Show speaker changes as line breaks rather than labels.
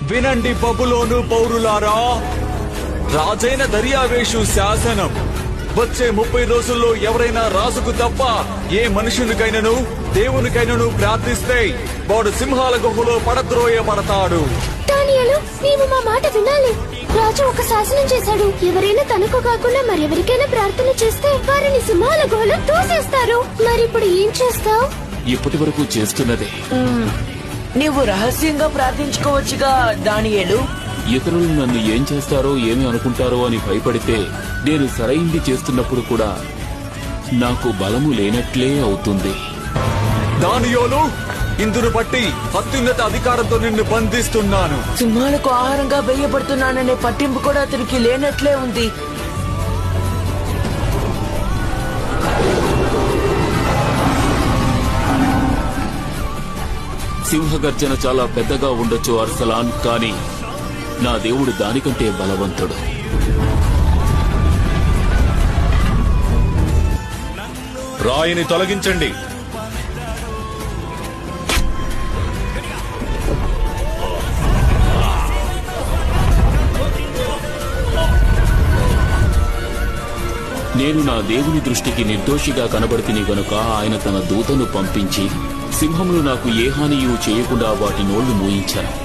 వినండి బబులోను పౌరులారా, రాజైన దర్యావేషు శాసనం. వచ్చే 30 రోజుల్లో ఎవరైనా రాజుకు తప్ప ఏ మనుషునికైనను దేవునికైనను ప్రార్థిస్తే వాడు సింహాల గుహలో పడద్రోయబడతాడు.
దానియేలు, నీవు మా మాట వినాలి. రాజు ఒక శాసనం చేశాడు. ఎవరైనా తనకు కాకుండా మరెవరికైనా ప్రార్థన చేస్తే వారిని సింహాల గుహలో తోసేస్తారు. మరిప్పుడు ఏం చేస్తావు?
ఇప్పటి వరకు చేస్తున్నదే.
నీవు రహస్యంగా ప్రార్థించుకోవచ్చుగా దానియేలు.
ఇతరులు నన్ను ఏం చేస్తారో ఏమి అనుకుంటారో అని భయపడితే నేను సరైంది చేస్తున్నప్పుడు కూడా నాకు బలము లేనట్లే అవుతుంది.
దానియేలు, ఇందును బట్టి అత్యున్నత అధికారంతో నిన్ను బంధిస్తున్నాను.
సింహాలకు ఆహారంగా వేయబడుతున్నాననే పట్టింపు కూడా అతనికి లేనట్లే ఉంది.
సింహగర్జన చాలా పెద్దగా ఉండొచ్చు అర్సలాన్, కానీ నా దేవుడు దానికంటే బలవంతుడు.
రాయిని తొలగించండి.
నేను నా దేవుని దృష్టికి నిర్దోషిగా కనబడితిని గనుక ఆయన తన దూతను పంపించి సింహములు నాకు ఏ హానియూ చేయకుండా వాటి నోళ్లు మూయించాను.